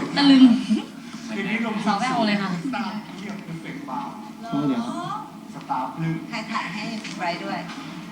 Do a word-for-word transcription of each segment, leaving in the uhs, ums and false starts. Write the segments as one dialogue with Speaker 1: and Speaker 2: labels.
Speaker 1: ตะลึง
Speaker 2: คืนนี้ลง
Speaker 1: สาวแววเลยค่ะ
Speaker 2: ตาเยี่ยมเป็นเฟกบาร์
Speaker 3: โอ้เดี๋ยว
Speaker 2: สตาร์พลึง
Speaker 4: ใครถ่ายให้ไบรท์ด้วย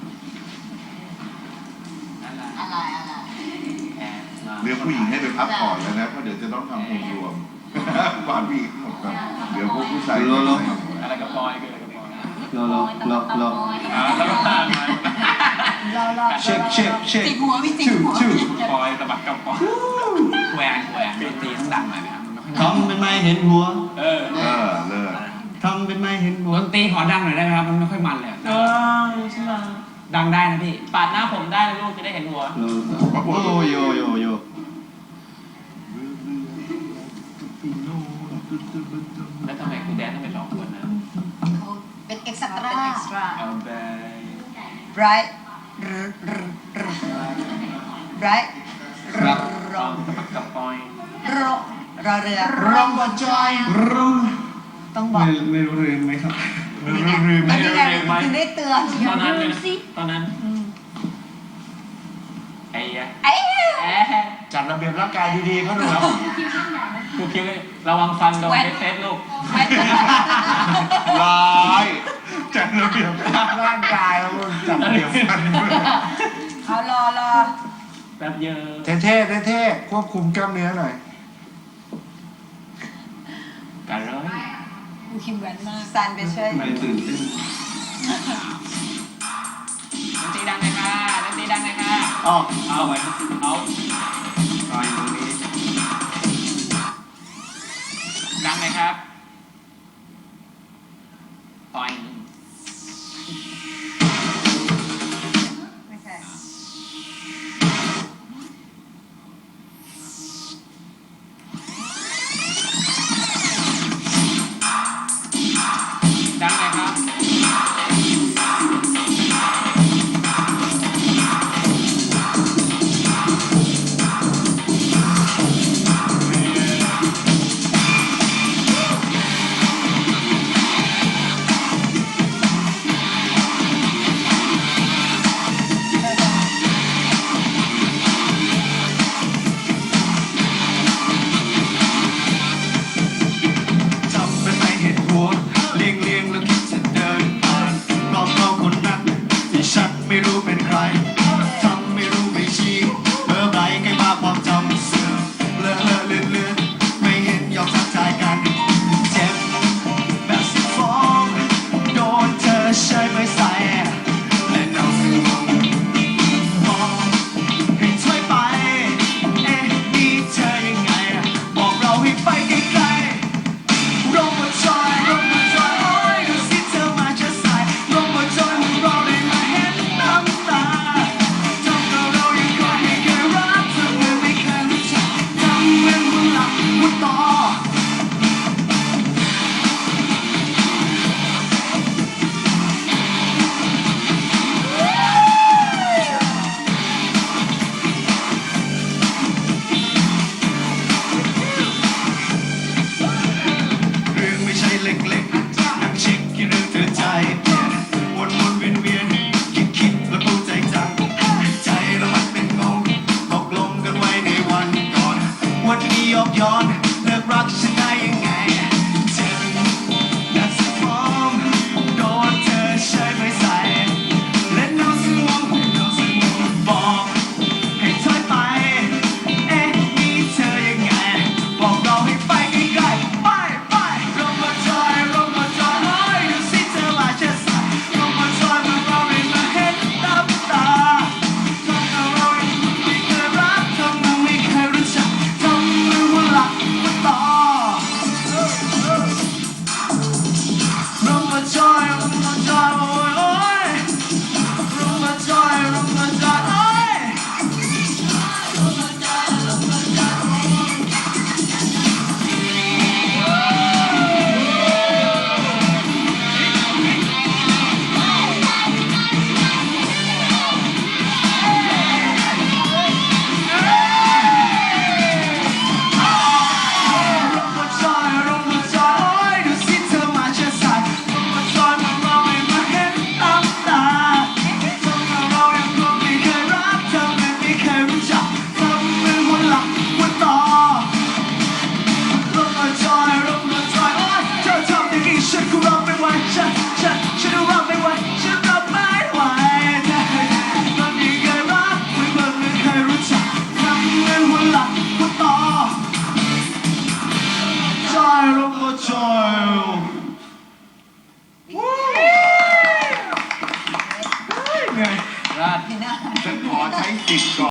Speaker 4: อะไรอะไร
Speaker 5: เรียกผู้หญิงให้ไปพักผ่อนแล้วนะเพราะเดี๋ยวจะต้องทำองค์รวมก่อนพี่หมดก่อนเดี๋ยวพวกผู้ชาย
Speaker 3: รอรอ
Speaker 6: อะไรกับปอยคืออะไรกับปอย
Speaker 3: รอรอรอรอ
Speaker 6: อ่าแล้วก็ตามมา
Speaker 4: เราเรา
Speaker 3: เช็คเช็คเช็ค
Speaker 4: ติดหัวมีติด
Speaker 3: ชื่อ
Speaker 4: หัว
Speaker 3: ชื่อ
Speaker 6: ปอยสะบัดกับปอยแหวนแหวนดนตรีต้องดังหน่อยนะครับมันไม่ค่อย
Speaker 3: ทำเป็นไม่เห็นหัว
Speaker 6: เออ
Speaker 5: เออเลิก
Speaker 3: ทำเป็นไม่เห็นหัว
Speaker 6: ดนตรีขอดังหน่อยได้ไหมครับมันไม่ค่อยมันเลย
Speaker 1: เออใช่ไหม
Speaker 6: ดังได้นะพี่
Speaker 1: ปาดหน้าผมได้นะลูกจะได้เห็นหัว
Speaker 3: โอ้โยโยโย
Speaker 6: แล้วทำไมคุณแดนต้องเป็นสองคนนะ
Speaker 4: เป็นเอ็กซ์ตร้า
Speaker 6: เอาไป
Speaker 4: ไบรท์ไบรท์
Speaker 3: ครับ
Speaker 4: ร
Speaker 6: ล
Speaker 4: อ
Speaker 6: องสะบัดกับปอย
Speaker 4: รอรอเรือ
Speaker 2: รองบอจอย
Speaker 3: รู้
Speaker 4: ต้องบอก
Speaker 3: ไม่ไม่รู้เรื่องไหมครับ
Speaker 4: นี่ไงอันนี้ไงถึงได้เตือน
Speaker 6: ตอนนั้นเลยนะตอนนั้นไอ้ยะ
Speaker 4: ไอ้
Speaker 6: แอะ
Speaker 2: จัดระเบียบร่างกายดีๆเขาหนูครับ
Speaker 6: ครูคิวเลยระวังฟันโดนเฟสลูก
Speaker 4: ไม่
Speaker 5: ร้าย
Speaker 2: จัดระเบียบร่างกายแล้วมึงจัดระเบียบฟัน
Speaker 4: เอารอรอ
Speaker 6: แป๊บเยอะ
Speaker 2: เท่ๆเท่ๆควบคุมกล้ามเนื้อหน่อย
Speaker 6: กันเลย
Speaker 4: ดูคิมแวนมากซันไปช่วย
Speaker 3: ไม่ตื่นเต้น
Speaker 6: ดนตรีดังเลยค่ะดนตรีดังเลยค่ะ
Speaker 3: อ๋อ
Speaker 6: เอาไว้เอา
Speaker 3: ตายตรงนี้
Speaker 6: ดังเลยครับปอย
Speaker 4: ไม่ใช่
Speaker 6: ดังเลยครับ
Speaker 3: จำเป็นไม่เห็นหัวเลียงเลียงแล้วคิดจะเดินผ่านรอบเราคนนั้นที่ฉันไม่รู้เป็นใครทำไม่รู้ไม่ชี้เบอร์ใบใกล้มาความจำเสื่อมเลอะเลอะเลือนเลือนไม่เห็นยอมทักทายกันเจ็บแบบสิฟ้องโดนเธอใช้ไม่ใส่และเนาสื่อมองมองให้ช่วยไปเอ๊ะนี่เธอยังไงบอกเราให้ไปไกลๆ ร่มมาจอยร่มมาจอยโอ้ยดูสิเธอมาจะใส่ร่มมาจอยมันเราได้มาเห็นน้ำตาทำกับเรายังคอยไม่เคยรักเธอเหมือนไม่เคยรู้จักทำเหมือนว่าหลับว่าต่อเรื่องไม่ใช่เล็กๆนักเช็คกี่เรื่องเธอใจเปลี่ยนวนวนเวียนเวียนคิดคิดแล้วเข้าใจจังใจแล้วมันเป็นงงตกลงกันไว้ในวันก่อน วันนี้ยกย้อนเลิกรักฉันได้ยังไงเจ็บดัดสมองโดนเธอใช้ไม่ใส่เล่นน้ำสมองเล่นน้ำสมองบอกให้ถอยไปเอ๊ะนี่เธอยังไงบอกเราให้ไปไกลๆไปไปลงมาจอยลงมาจอยเฮ้ยดูสิเธอมาจะใส่ลงมาจอยมาเราได้มาเห็นน้ำตาทำกับเราไม่เคยรักทำเราไม่เคยรู้จักทำมือว่าหลักว่าต่อเงินหัวหลักหัวต่อจอยลงก็จอยเหนื่อย
Speaker 6: ราด
Speaker 5: ฉันขอใช้สิทธิ์ก่อน